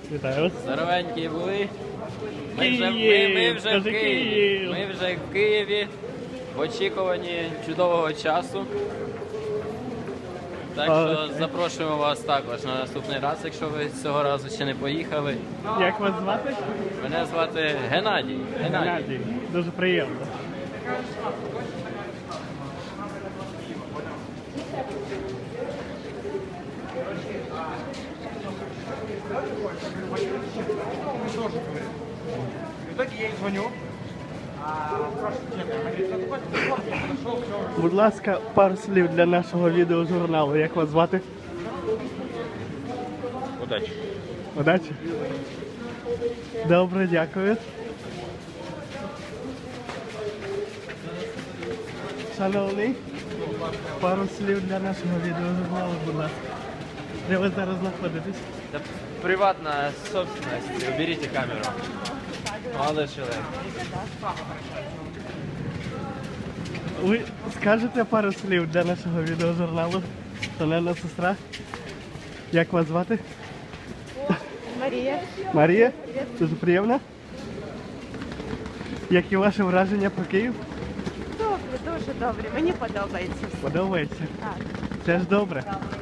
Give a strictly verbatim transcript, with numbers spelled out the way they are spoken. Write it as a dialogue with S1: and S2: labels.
S1: Вітаю вас.
S2: Здоровенькі були. Ми вже,
S1: Київ!
S2: ми, ми вже в
S1: Кажи,
S2: Києві.
S1: Київ!
S2: Ми вже в Києві в очікуванні чудового часу. Так що
S1: Окей.
S2: запрошуємо вас також на наступний раз, якщо ви цього разу ще не поїхали.
S1: Як вас звати?
S2: Мене звати Геннадій. Геннадій.
S1: Геннадій. Дуже приємно.
S3: В итоге я ей звоню, а спрашиваю, чем я. Она говорит, ну такой телефон, я подошел, все.
S1: Будь ласка, пару слів для нашого відеожурналу. Як вас звати?
S2: Удачі.
S1: Удачі. Добре, дякую. Шановний, пару слів для нашого відеожурналу, будь ласка. Де ви зараз знаходитесь?
S2: Это приватная собственность. Уберите камеру. Молодой человек.
S1: Ви скажете пару слів для нашого відеожурналу? Шановна сестра. Як вас звати?
S4: Марія.
S1: Марія? Дуже приємно. Які ваші враження про Київ?
S4: Добре, дуже добре. Мені подобається.
S1: Подобається?
S4: Так.
S1: Це ж добре.